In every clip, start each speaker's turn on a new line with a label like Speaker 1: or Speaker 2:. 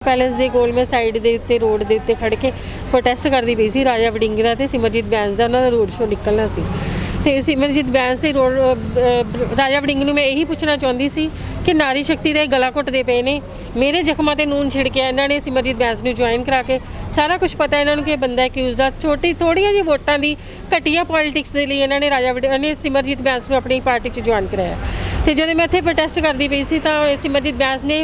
Speaker 1: Palace ਦੇ ਕੋਲ ਮੈਂ ਸਾਈਡ ਦੇ ਉੱਤੇ ਰੋਡ ਦੇ ਉੱਤੇ ਖੜ੍ਹ ਕੇ ਪ੍ਰੋਟੈਸਟ ਕਰਦੀ ਪਈ ਸੀ। ਰਾਜਾ ਵੜਿੰਗ ਦਾ ਤੇ ਸਿਮਰਜੀਤ ਬੈਂਸ ਦਾ ਉਹਨਾਂ ਦਾ ਰੋਡ ਸ਼ੋਅ ਨਿਕਲਣਾ ਸੀ ਤੇ ਸਿਮਰਜੀਤ ਬੈਂਸ ਤੇ ਰਾਜਾ ਵੜਿੰਗ ਨੂੰ ਮੈਂ ਇਹੀ ਪੁੱਛਣਾ ਚਾਹੁੰਦੀ ਸੀ ਕਿ ਨਾਰੀ ਸ਼ਕਤੀ ਦੇ ਗਲਾ ਘੁੱਟਦੇ ਪਏ ਨੇ। ਮੇਰੇ ਜ਼ਖਮਾਂ ਤੇ ਨੂਨ ਛਿੜਕਿਆ ਇਹਨਾਂ ਨੇ ਸਿਮਰਜੀਤ ਬੈਂਸ ਨੂੰ ਜੁਆਇਨ ਕਰਾ ਕੇ। ਸਾਰਾ ਕੁਝ ਪਤਾ ਇਹਨਾਂ ਨੂੰ ਕਿ ਇਹ ਬੰਦਾ ਅਕਿਊਜ਼ਡ ਆ। ਥੋੜ੍ਹੀਆਂ ਜਿਹੀ ਵੋਟਾਂ ਦੀ ਘਟੀਆ ਪੋਲੀਟਿਕਸ ਦੇ ਲਈ ਇਹਨਾਂ ਨੇ ਸਿਮਰਜੀਤ ਬੈਂਸ ਨੂੰ ਆਪਣੀ ਪਾਰਟੀ 'ਚ ਜੁਆਇਨ ਕਰਾਇਆ। ਤੇ ਜਦੋਂ ਮੈਂ ਇੱਥੇ ਪ੍ਰੋਟੈਸਟ ਕਰਦੀ ਪਈ ਸੀ ਤਾਂ ਸਿਮਰਜੀਤ ਬੈਂਸ ਨੇ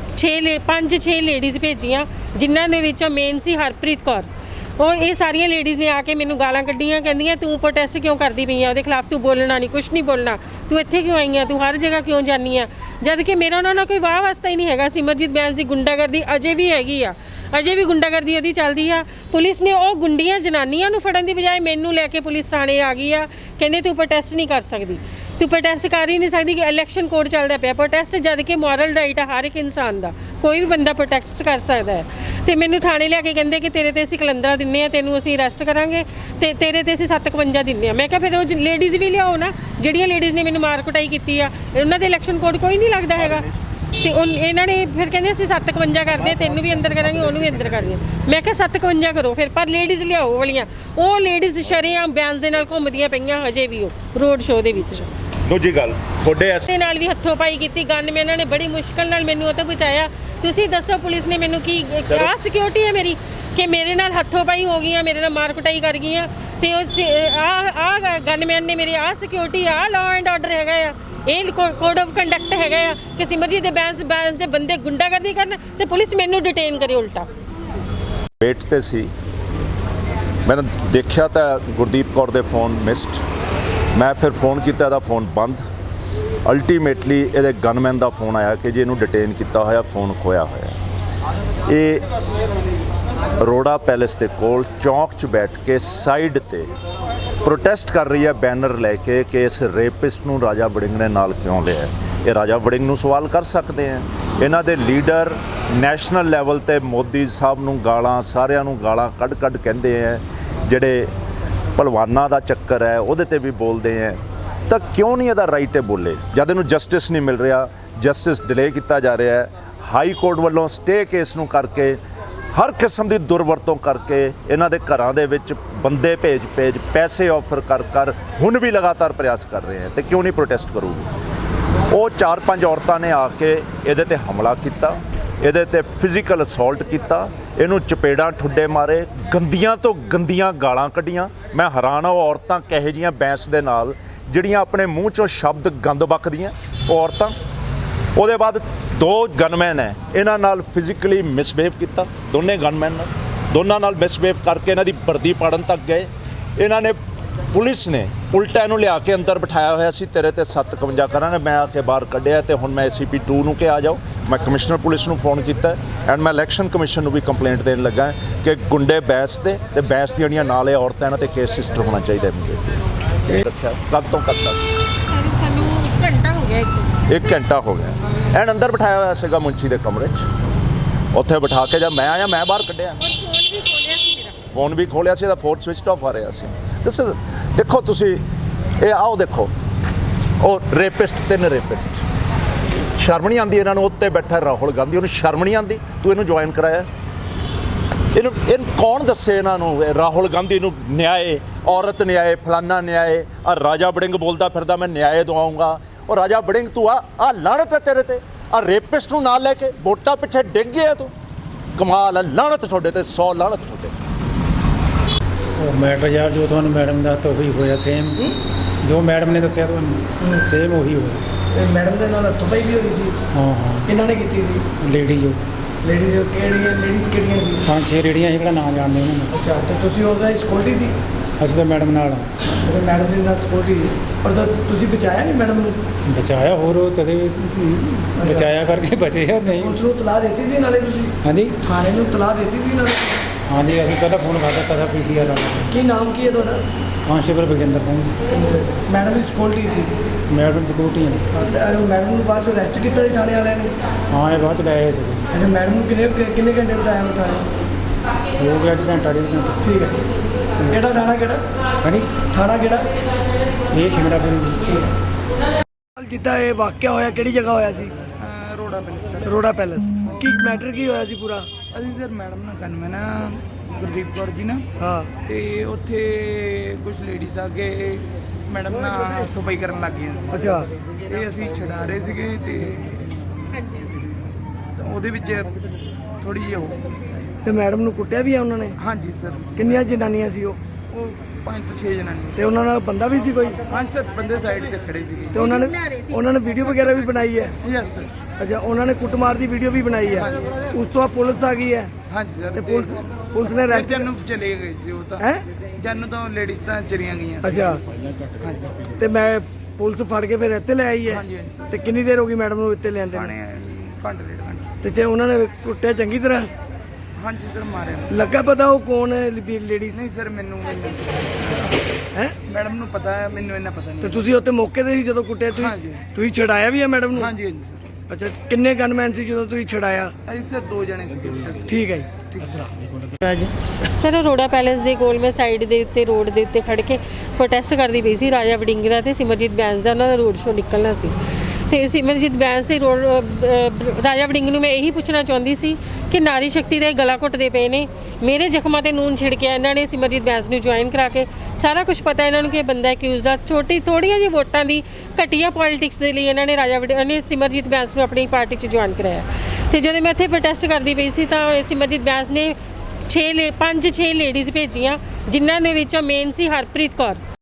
Speaker 1: 5-6 ਲੇਡੀਜ਼ ਭੇਜੀਆਂ, ਜਿਨ੍ਹਾਂ ਦੇ ਵਿੱਚੋਂ ਮੇਨ ਸੀ ਹਰਪ੍ਰੀਤ ਕੌਰ। ਇਹ ਸਾਰੀਆਂ ਲੇਡੀਜ਼ ਨੇ ਆ ਕੇ ਮੈਨੂੰ ਗਾਲਾਂ ਕੱਢੀਆਂ, ਕਹਿੰਦੀਆਂ ਤੂੰ ਪ੍ਰੋਟੈਸਟ ਕਿਉਂ ਕਰਦੀ ਪਈ ਆ, ਉਹਦੇ ਖਿਲਾਫ ਤੂੰ ਬੋਲਣਾ ਨਹੀਂ, ਕੁਛ ਨਹੀਂ ਬੋਲਣਾ, ਤੂੰ ਇੱਥੇ ਕਿਉਂ ਆਈ ਆ, ਤੂੰ ਹਰ ਜਗ੍ਹਾ ਕਿਉਂ ਜਾਂਦੀ ਆ। ਜਦ ਕਿ ਮੇਰਾ ਉਹਨਾਂ ਨਾਲ ਕੋਈ ਵਾਹ ਵਾਸਤਾ ਹੀ ਨਹੀਂ ਹੈਗਾ। ਸਿਮਰਜੀਤ ਬੈਂਸ ਦੀ ਗੁੰਡਾਗਰਦੀ ਅਜੇ ਵੀ ਹੈਗੀ ਆ, ਅਜੇ ਵੀ ਗੁੰਡਾਗਰਦੀ ਉਹਦੀ ਚੱਲਦੀ ਆ। ਪੁਲਿਸ ਨੇ ਉਹ ਗੁੰਡੀਆਂ ਜਨਾਨੀਆਂ ਨੂੰ ਫੜਨ ਦੀ ਬਜਾਏ ਮੈਨੂੰ ਲੈ ਕੇ ਪੁਲਿਸ ਥਾਣੇ ਆ ਗਈ ਆ। ਕਹਿੰਦੇ ਤੂੰ ਪ੍ਰੋਟੈਸਟ ਨਹੀਂ ਕਰ ਸਕਦੀ, ਤੂੰ ਪ੍ਰੋਟੈਸਟ ਕਰ ਹੀ ਨਹੀਂ ਸਕਦੀ ਕਿ ਇਲੈਕਸ਼ਨ ਕੋਡ ਚੱਲਦਾ ਪਿਆ। ਪ੍ਰੋਟੈਸਟ ਜਦ ਕਿ ਮੋਰਲ ਰਾਈਟ ਆ ਹਰ ਇੱਕ ਇਨਸਾਨ ਦਾ, ਕੋਈ ਵੀ ਬੰਦਾ ਪ੍ਰੋਟੈਸਟ ਕਰ ਸਕਦਾ ਹੈ। ਤੇ ਮੈਨੂੰ ਥਾਣੇ ਲਿਆ ਕੇ ਕਹਿੰਦੇ ਕਿ ਤੇਰੇ ਤੇ ਅਸੀਂ ਕਲੰਦਰਾ ਦਿੰਦੇ ਆ, ਤੈਨੂੰ ਅਸੀਂ ਅਰੈਸਟ ਕਰਾਂਗੇ ਤੇ ਤੇਰੇ ਤੇ ਅਸੀਂ 751 ਦਿੰਦੇ ਆ। ਮੈਂ ਕਿਹਾ ਫਿਰ ਉਹ ਲੇਡੀਜ਼ ਵੀ ਲਿਆਓ ਨਾ, ਜਿਹੜੀਆਂ ਲੇਡੀਜ਼ ਨੇ ਮੈਨੂੰ ਮਾਰ ਕੁਟਾਈ ਕੀਤੀ ਆ, ਉਹਨਾਂ ਦੇ ਇਲੈਕਸ਼ਨ ਕੋਡ ਕੋਈ ਨਹੀਂ ਲੱਗਦਾ ਹੈਗਾ। ਤੇ ਇਹਨਾਂ ਨੇ ਫਿਰ ਕਹਿੰਦੇ ਅਸੀਂ 751 ਕਰਦੇ, ਤੈਨੂੰ ਵੀ ਅੰਦਰ ਕਰਾਂਗੇ, ਉਹਨੂੰ ਵੀ ਅੰਦਰ ਕਰਾਂਗੇ। ਮੈਂ ਕਿਹਾ 751 ਕਰੋ ਫਿਰ, ਪਰ ਲੇਡੀਜ਼ ਲਿਆਓ ਵਾਲੀਆਂ। ਉਹ ਲੇਡੀਜ਼ ਸ਼ਰੇਆਮ ਬੈਂਸ ਦੇ ਨਾਲ ਘੁੰਮਦੀਆਂ ਪਈਆਂ ਹਜੇ ਵੀ ਉਹ ਰੋਡ ਸ਼ੋਅ ਦੇ ਵਿੱਚ।
Speaker 2: ਦੂਜੀ ਗੱਲ ਤੁਹਾਡੇ
Speaker 1: ਐਸੇ ਨਾਲ ਵੀ ਹੱਥੋਂ ਪਾਈ ਕੀਤੀ। ਗਨ ਇਹਨਾਂ ਨੇ ਬੜੀ ਮੁਸ਼ਕਲ ਨਾਲ ਮੈਨੂੰ ਉਹ ਤੋਂ ਬਚਾਇਆ। ਤੁਸੀਂ ਦੱਸੋ ਪੁਲਿਸ ਨੇ ਮੈਨੂੰ ਕੀ ਆਹ ਸਿਕਿਉਰਿਟੀ ਹੈ ਮੇਰੀ ਕਿ ਮੇਰੇ ਨਾਲ ਹੱਥੋਂ ਪਾਈ ਹੋ ਗਈਆਂ, ਮੇਰੇ ਨਾਲ ਮਾਰ ਕੁਟਾਈ ਕਰ ਗਈਆਂ। ਤੇ ਆਹ ਗਨਮੈਨ ਨੇ ਮੇਰੇ ਆਹ ਸਿਕਿਉਰਿਟੀ, ਆਹ ਲਾਅ ਐਂਡ ਆਰਡਰ ਹੈਗਾ ਆ, ਇਹ ਕੋਡ ਆਫ ਕੰਡਕਟ ਹੈਗਾ ਆ ਕਿ ਸਿਮਰਜੀਤ ਦੇ ਬੈਂਸ ਦੇ ਬੰਦੇ ਗੁੰਡਾਗਰਦੀ ਕਰਨ ਤੇ ਪੁਲਿਸ ਮੈਨੂੰ ਡਿਟੇਨ ਕਰੇ ਉਲਟਾ।
Speaker 2: ਵੇਟ ਤੇ ਸੀ, ਮੈਂ ਦੇਖਿਆ ਤਾਂ ਗੁਰਦੀਪ ਕੌਰ ਦੇ ਫੋਨ ਮਿਸਡ। ਮੈਂ ਫਿਰ ਫੋਨ ਕੀਤਾ, ਇਹਦਾ ਫੋਨ ਬੰਦ। ਅਲਟੀਮੇਟਲੀ ਇਹਦੇ ਗਨਮੈਨ ਦਾ ਫੋਨ ਆਇਆ ਕਿ ਜੀ ਇਹਨੂੰ ਡਿਟੇਨ ਕੀਤਾ ਹੋਇਆ, ਫੋਨ ਖੋਇਆ ਹੋਇਆ। ਇਹ ਅਰੋੜਾ ਪੈਲੇਸ ਦੇ ਕੋਲ ਚੌਂਕ 'ਚ ਬੈਠ ਕੇ ਸਾਈਡ ਤੇ ਪ੍ਰੋਟੈਸਟ ਕਰ ਰਹੀ ਹੈ ਬੈਨਰ ਲੈ ਕੇ ਕਿ ਇਸ ਰੇਪਿਸਟ ਨੂੰ ਰਾਜਾ ਵੜਿੰਗ ਨੇ ਨਾਲ ਕਿਉਂ ਲਿਆ। ਇਹ ਰਾਜਾ ਵੜਿੰਗ ਨੂੰ ਸਵਾਲ ਕਰ ਸਕਦੇ ਆ। ਇਹਨਾਂ ਦੇ ਲੀਡਰ ਨੈਸ਼ਨਲ ਲੈਵਲ ਤੇ ਮੋਦੀ ਸਾਹਿਬ ਨੂੰ ਗਾਲਾਂ, ਸਾਰਿਆਂ ਨੂੰ ਗਾਲਾਂ ਕੱਢ ਕਹਿੰਦੇ ਆ। ਜਿਹੜੇ ਭਲਵਾਨਾਂ ਦਾ ਚੱਕਰ ਹੈ ਉਹਦੇ ਤੇ ਵੀ ਬੋਲਦੇ ਆ। ਤਾਂ ਕਿਉਂ ਨਹੀਂ ਇਹਦਾ ਰਾਈਟ ਹੈ ਬੋਲੇ ਜਦ ਇਹਨੂੰ ਜਸਟਿਸ ਨਹੀਂ ਮਿਲ ਰਿਹਾ, ਜਸਟਿਸ ਡਿਲੇ ਕੀਤਾ ਜਾ ਰਿਹਾ ਹੈ। ਹਾਈ ਕੋਰਟ ਵੱਲੋਂ ਸਟੇ ਕੇਸ ਨੂੰ ਕਰਕੇ ਹਰ ਕਿਸਮ ਦੀ ਦੁਰਵਰਤੋਂ ਕਰਕੇ ਇਹਨਾਂ ਦੇ ਘਰਾਂ ਦੇ ਵਿੱਚ ਬੰਦੇ ਭੇਜ ਪੈਸੇ ਆਫਰ ਕਰ ਹੁਣ ਵੀ ਲਗਾਤਾਰ ਪ੍ਰਯਾਸ ਕਰ ਰਹੇ ਹੈ। ਤੇ ਕਿਉਂ ਨਹੀਂ ਪ੍ਰੋਟੈਸਟ ਕਰੂਗੀ। ਉਹ 4-5 ਔਰਤਾਂ ਨੇ ਆ ਕੇ ਇਹਦੇ ਤੇ ਹਮਲਾ ਕੀਤਾ, ਇਹਦੇ ਤੇ ਫਿਜ਼ੀਕਲ ਅਸੌਲਟ ਕੀਤਾ, ਇਹਨੂੰ ਚਪੇੜਾਂ ਠੁੱਡੇ ਮਾਰੇ, ਗੰਦੀਆਂ ਤੋਂ ਗੰਦੀਆਂ ਗਾਲਾਂ ਕੱਢੀਆਂ। ਮੈਂ ਹੈਰਾਨ ਆ ਉਹ ਔਰਤਾਂ ਕਿਹੋ ਜਿਹੀਆਂ ਬੈਂਸ ਦੇ ਨਾਲ ਜਿਹੜੀਆਂ ਆਪਣੇ ਮੂੰਹ 'ਚੋਂ ਸ਼ਬਦ ਗੰਦ ਬਕਦੀਆਂ ਉਹ ਔਰਤਾਂ। ਉਹਦੇ ਬਾਅਦ 2 ਗਨਮੈਨ ਹੈ, ਇਹਨਾਂ ਨਾਲ ਫਿਜ਼ੀਕਲੀ ਮਿਸਬਿਹੇਵ ਕੀਤਾ। ਦੋਨੇ ਗਨਮੈਨ ਦੋਨਾਂ ਨਾਲ ਮਿਸਬਿਹੇਵ ਕਰਕੇ ਇਹਨਾਂ ਦੀ ਵਰਦੀ ਪਾੜਨ ਤੱਕ ਗਏ। ਇਹਨਾਂ ਨੇ ਪੁਲਿਸ ਨੇ ਉਲਟਾ ਇਹਨੂੰ ਲਿਆ ਕੇ ਅੰਦਰ ਬਿਠਾਇਆ ਹੋਇਆ ਸੀ। ਤੇਰੇ ਤੇ 751 ਕਰਾਂਗੇ। ਮੈਂ ਆ ਕੇ ਬਾਹਰ ਕੱਢਿਆ ਤੇ ਹੁਣ ਮੈਂ ACP 2 ਨੂੰ ਕਿ ਆ ਜਾਓ। ਮੈਂ ਕਮਿਸ਼ਨਰ ਪੁਲਿਸ ਨੂੰ ਫੋਨ ਕੀਤਾ ਐਂਡ ਮੈਂ ਇਲੈਕਸ਼ਨ ਕਮਿਸ਼ਨ ਨੂੰ ਵੀ ਕੰਪਲੇਂਟ ਦੇਣ ਲੱਗਾ ਕਿ ਗੁੰਡੇ ਬੈਂਸ ਦੇ ਤੇ ਬੈਂਸ ਦੀਆਂ ਜਿਹੜੀਆਂ ਨਾਲ ਇਹ ਔਰਤਾਂ ਇਹਨਾਂ ਤੇ ਕੇਸ ਰਜਿਸਟਰ ਹੋਣਾ ਚਾਹੀਦਾ ਹੈ। ਰੱਖਿਆ ਕਦ ਤੋਂ ਕਦ ਤੱਕ?
Speaker 1: ਸਾਨੂੰ ਘੰਟਾ ਹੋ ਗਿਆ,
Speaker 2: 1 ਘੰਟਾ ਹੋ ਗਿਆ। ਐਂਡ ਅੰਦਰ ਬਿਠਾਇਆ ਹੋਇਆ ਸੀਗਾ ਮੁੰਚੀ ਦੇ ਕਮਰੇ 'ਚ। ਉੱਥੇ ਬਿਠਾ ਕੇ ਜਦ ਮੈਂ ਆਇਆ ਮੈਂ ਬਾਹਰ ਕੱਢਿਆ। ਫੋਨ ਵੀ ਖੋਲਿਆ ਸੀ, ਇਹਦਾ ਫੋਨ ਸਵਿਚ ਆਫ ਆ ਰਿਹਾ ਸੀ। ਦੇਖੋ ਤੁਸੀਂ ਇਹ ਆਓ ਦੇਖੋ, ਉਹ ਰੇਪਿਸਟ 3 ਰੇਪਿਸਟ। ਸ਼ਰਮ ਨਹੀਂ ਆਉਂਦੀ ਇਹਨਾਂ ਨੂੰ? ਉੱਤੇ ਬੈਠਾ ਰਾਹੁਲ ਗਾਂਧੀ, ਉਹਨੂੰ ਸ਼ਰਮ ਨਹੀਂ ਆਉਂਦੀ? ਤੂੰ ਇਹਨੂੰ ਜੁਆਇਨ ਕਰਾਇਆ। ਇਹਨੂੰ ਕੌਣ ਦੱਸੇ ਇਹਨਾਂ ਨੂੰ? ਰਾਹੁਲ ਗਾਂਧੀ ਨੂੰ ਨਿਆਏ, ਔਰਤ ਨਿਆਏ, ਫਲਾਨਾ ਨਿਆਏ। ਆ ਰਾਜਾ ਵੜਿੰਗ ਬੋਲਦਾ ਫਿਰਦਾ ਮੈਂ ਨਿਆਏ ਦਵਾਉਂਗਾ। ਉਹ ਰਾਜਾ ਵੜਿੰਗ ਤੂੰ ਆ ਲਾਹਨਤ ਹੈ ਤੇਰੇ ਤੇ। ਆ ਰੇਪਿਸਟ ਨੂੰ ਨਾਲ ਲੈ ਕੇ ਵੋਟਾਂ ਪਿੱਛੇ ਡਿੱਗ ਗਿਆ ਤੂੰ। ਕਮਾਲ ਹੈ, ਲਾਹਨਤ ਤੁਹਾਡੇ ਤੇ, 100 ਲਾਹਨਤ ਤੁਹਾਡੇ।
Speaker 3: ਉਹ ਮੈਟਰ ਯਾਰ ਜੋ ਤੁਹਾਨੂੰ ਮੈਡਮ ਦਾ ਤਾਂ ਉਹੀ ਹੋਇਆ ਸੇਮ, ਜੋ ਮੈਡਮ ਨੇ ਦੱਸਿਆ ਤੁਹਾਨੂੰ ਸੇਮ ਉਹੀ ਹੋਇਆ।
Speaker 4: ਮੈਡਮ ਦੇ ਨਾਲ ਹੱਥੋਂ ਪਾਈ ਵੀ ਹੋਈ ਸੀ?
Speaker 3: ਹਾਂ।
Speaker 4: ਕਿਹਨਾਂ ਨੇ ਕੀਤੀ ਸੀ?
Speaker 3: ਲੇਡੀ ਜੋ
Speaker 4: ਲੇਡੀਜ਼ ਕਿਹੜੀਆਂ ਸੀ?
Speaker 3: 5-6 ਰੇੜੀਆਂ ਸੀ, ਕਿਹੜਾ ਨਾਂ ਜਾਣਦੇ ਉਹਨਾਂ ਨੂੰ।
Speaker 4: ਅੱਛਾ, ਤੇ ਤੁਸੀਂ ਉਹਦਾ ਸਕਿਉਰਟੀ ਸੀ?
Speaker 3: ਅਸੀਂ ਤਾਂ ਮੈਡਮ ਨਾਲ
Speaker 4: ਮੈਡਮ ਦੇ ਨਾਲ ਸਕਿਉਰਟੀ ਸੀ, ਪਰ ਤੁਸੀਂ ਬਚਾਇਆ ਨਹੀਂ ਮੈਡਮ ਨੂੰ?
Speaker 3: ਬਚਾਇਆ, ਹੋਰ ਕਦੇ ਬਚਾਇਆ ਕਰਕੇ ਬਚੇ ਆ ਨਹੀਂ।
Speaker 4: ਪੁਲਿਸ ਨੂੰ ਤਲਾਹ ਦਿੱਤੀ ਸੀ ਨਾਲੇ ਤੁਸੀਂ?
Speaker 3: ਹਾਂਜੀ,
Speaker 4: ਥਾਣੇ ਨੂੰ ਤਲਾਹ ਦਿੱਤੀ ਸੀ ਨਾਲੇ?
Speaker 3: ਹਾਂਜੀ, ਅਸੀਂ ਪਹਿਲਾਂ ਫੋਨ ਕਰ ਦਿੱਤਾ ਸੀ PCR ਵਾਲਾ।
Speaker 4: ਕੀ ਨਾਮ ਕੀ ਹੈ ਤੁਹਾਡਾ?
Speaker 3: ਕਾਂਸਟੇਬਲ ਬਲਜਿੰਦਰ ਸਿੰਘ।
Speaker 4: ਮੈਡਮ ਦੀ ਸਕਿਉਰਟੀ ਸੀ?
Speaker 3: ਮੈਡਮ ਸਿਕਿਉਰਟੀ ਹੈ।
Speaker 4: ਮੈਡਮ ਨੂੰ ਬਾਅਦ ਚੋਂ ਅਰੈਸਟ ਕੀਤਾ ਸੀ ਥਾਣੇ ਵਾਲਿਆਂ ਨੇ?
Speaker 3: ਹਾਂ, ਇਹ ਬਾਅਦ ਚ ਲੈ ਆਏ ਸੀ।
Speaker 4: ਅੱਛਾ, ਮੈਡਮ ਨੂੰ ਕਿੰਨੇ ਘੰਟੇ ਬਿਤਾਇਆ ਉਹ ਥਾਣੇ?
Speaker 3: ਹੋ ਗਿਆ ਜੀ ਘੰਟਾ 1.5 ਘੰਟਾ।
Speaker 4: ਠੀਕ ਹੈ। ਕਿਹੜਾ ਥਾਣਾ? ਕਿਹੜਾ
Speaker 3: ਹਾਂਜੀ,
Speaker 4: ਥਾਣਾ ਕਿਹੜਾ?
Speaker 3: ਇਹ ਸ਼ਿਮਲਾਪੁਰੀ।
Speaker 4: ਠੀਕ ਹੈ। ਜਿੱਦਾਂ ਇਹ ਵਾਕਿਆ ਹੋਇਆ ਕਿਹੜੀ ਜਗ੍ਹਾ ਹੋਇਆ ਸੀ? ਰੋੜਾ ਪੈਲੇਸ। ਕੀ ਮੈਟਰ ਕੀ ਹੋਇਆ ਸੀ ਪੂਰਾ?
Speaker 5: ਅਸੀਂ ਸਰ ਮੈਡਮ ਨਾਲ ਗਨਮੈਨ ਆ ਗੁਰਦੀਪ ਕੌਰ ਜੀ ਨਾਲ
Speaker 4: ਹਾਂ
Speaker 5: ਤੇ ਉੱਥੇ ਕੁਝ ਲੇਡੀਜ਼ ਆ ਕੇ ਮੈਡਮ ਨਾਲ ਹੱਥੋਂ ਪਾਈ ਕਰਨ ਲੱਗ ਗਈਆਂ
Speaker 4: ਅੱਛਾ
Speaker 5: ਤੇ ਅਸੀਂ ਛਡਾ ਰਹੇ ਸੀਗੇ ਤੇ ਉਹਦੇ ਵਿੱਚ ਥੋੜੀ ਜਿਹੀ
Speaker 4: ਤੇ ਮੈਡਮ ਨੂੰ ਕੁੱਟਿਆ ਵੀ ਆ ਉਹਨਾਂ ਨੇ?
Speaker 5: ਹਾਂਜੀ ਸਰ
Speaker 4: ਕਿੰਨੀਆਂ ਜਨਾਨੀਆਂ ਸੀ ਉਹ?
Speaker 5: ਉਹ 5 ਤੋਂ 6 ਜਣਾਂ ਨੇ।
Speaker 4: ਤੇ ਉਹਨਾਂ ਨਾਲ ਬੰਦਾ ਵੀ ਸੀ ਕੋਈ?
Speaker 5: ਹਾਂਜੀ ਸਰ ਬੰਦੇ ਸਾਈਡ ਤੇ ਖੜੇ ਸੀਗੇ।
Speaker 4: ਤੇ ਉਹਨਾਂ ਨੇ ਵੀਡੀਓ ਵਗੈਰਾ ਵੀ ਬਣਾਈ ਹੈ?
Speaker 5: Yes sir.
Speaker 4: ਅੱਛਾ ਉਹਨਾਂ ਨੇ ਕੁੱਟਮਾਰ ਦੀ ਵੀਡੀਓ ਵੀ ਬਣਾਈ ਹੈ? ਉਸ ਤੋਂ ਬਾਅਦ ਪੁਲਿਸ ਆ ਗਈ ਹੈ
Speaker 5: ਹਾਂਜੀ ਸਰ
Speaker 4: ਤੇ ਪੁਲਿਸ ਨੇ ਅਰੈਸਟ
Speaker 5: ਜਨ ਚਲੇ ਗਏ ਸੀ ਉਹ ਤਾਂ
Speaker 4: ਹੈ?
Speaker 5: ਜਨ ਤੋਂ ਲੇਡੀਜ਼ ਤਾਂ ਚਲੀਆਂ ਗਈਆਂ
Speaker 4: ਅੱਛਾ
Speaker 5: ਹਾਂਜੀ
Speaker 4: ਤੇ ਮੈਂ ਪੁਲਿਸ ਫੜ ਕੇ ਫਿਰ ਇੱਥੇ ਲੈ ਆਈ ਹੈ?
Speaker 5: ਹਾਂਜੀ ਹਾਂਜੀ ਸਰ
Speaker 4: ਤੇ ਕਿੰਨੀ ਦੇਰ ਹੋ ਗਈ ਮੈਡਮ ਨੂੰ ਇੱਥੇ ਲਿਆਂਦੇ ਨੂੰ?
Speaker 5: ਥਾਣੇ ਘੰਟੇ ਡੇਢ ਘੰਟੇ
Speaker 4: ਤੇ ਉਹਨਾਂ ਨੇ ਕੁੱਟਿਆ ਚੰਗੀ ਤਰ੍ਹਾਂ?
Speaker 5: ਹਾਂਜੀ ਸਰ ਮਾਰਿਆ
Speaker 4: ਲੱਗਾ ਪਤਾ ਉਹ ਕੌਣ ਹੈ ਲੇਡੀਜ਼
Speaker 5: ਨਹੀਂ ਸਰ ਮੈਨੂੰ
Speaker 4: ਹੈ?
Speaker 5: ਮੈਡਮ ਨੂੰ ਪਤਾ ਹੈ ਮੈਨੂੰ ਇੰਨਾ ਪਤਾ
Speaker 4: ਤੇ
Speaker 5: ਨਹੀਂ
Speaker 4: ਤੁਸੀਂ ਉੱਥੇ ਮੌਕੇ ਤੇ ਸੀ ਜਦੋਂ ਕੁੱਟਿਆ?
Speaker 5: ਹਾਂਜੀ।
Speaker 4: ਤੁਸੀਂ ਛਡਾਇਆ ਵੀ ਹੈ ਮੈਡਮ ਨੂੰ?
Speaker 5: ਹਾਂਜੀ ਹਾਂਜੀ ਸਰ
Speaker 4: ਅੱਛਾ ਕਿੰਨੇ ਗਨਮੈਨ ਸੀ ਜਦੋਂ ਤੁਸੀਂ ਛਡਾਇਆ?
Speaker 5: ਅਸੀਂ ਸਰ 2 ਜਣੇ ਸੀਗੇ
Speaker 4: ਠੀਕ ਹੈ ਜੀ।
Speaker 1: ਸਰ ਅਰੋੜਾ ਪੈਲੇਸ ਦੇ ਕੋਲ ਮੈਂ ਸਾਈਡ ਦੇ ਉੱਤੇ ਰੋਡ ਦੇ ਉੱਤੇ ਖੜ ਕੇ ਪ੍ਰੋਟੈਸਟ ਕਰਦੀ ਪਈ ਸੀ। ਰਾਜਾ ਵੜਿੰਗ ਦਾ ਤੇ ਸਿਮਰਜੀਤ ਬੈਂਸ ਦਾ ਉਹਨਾਂ ਦਾ ਰੋਡ ਸ਼ੋਅ ਨਿਕਲਣਾ ਸੀ ਤੇ ਸਿਮਰਜੀਤ ਬੈਂਸ ਦੇ ਰਾਜਾ ਵੜਿੰਗ ਨੂੰ ਮੈਂ ਇਹੀ ਪੁੱਛਣਾ ਚਾਹੁੰਦੀ ਸੀ ਕਿ ਨਾਰੀ ਸ਼ਕਤੀ ਦੇ ਗਲਾ ਘੁੱਟਦੇ ਪਏ ਨੇ। ਮੇਰੇ ਜ਼ਖਮਾਂ ਤੇ ਨੂਨ ਛਿੜਕਿਆ ਇਹਨਾਂ ਨੇ ਸਿਮਰਜੀਤ ਬੈਂਸ ਨੂੰ ਜੁਆਇਨ ਕਰਾ ਕੇ। ਸਾਰਾ ਕੁਝ ਪਤਾ ਇਹਨਾਂ ਨੂੰ ਕਿ ਇਹ ਬੰਦਾ ਅਕਿਊਜ਼ਡ ਆ। ਥੋੜ੍ਹੀਆਂ ਜਿਹੀ ਵੋਟਾਂ ਦੀ ਘਟੀਆ ਪੋਲਿਟਿਕਸ ਦੇ ਲਈ ਇਹਨਾਂ ਨੇ ਸਿਮਰਜੀਤ ਬੈਂਸ ਨੂੰ ਆਪਣੀ ਪਾਰਟੀ 'ਚ ਜੁਆਇਨ ਕਰਾਇਆ। ਤੇ ਜਦੋਂ ਮੈਂ ਇੱਥੇ ਪ੍ਰੋਟੈਸਟ ਕਰਦੀ ਪਈ ਸੀ ਤਾਂ ਸਿਮਰਜੀਤ ਬੈਂਸ ਨੇ 5-6 ਲੇਡੀਜ਼ ਭੇਜੀਆਂ ਜਿਨ੍ਹਾਂ ਦੇ ਵਿੱਚੋਂ ਮੇਨ ਸੀ ਹਰਪ੍ਰੀਤ ਕੌਰ।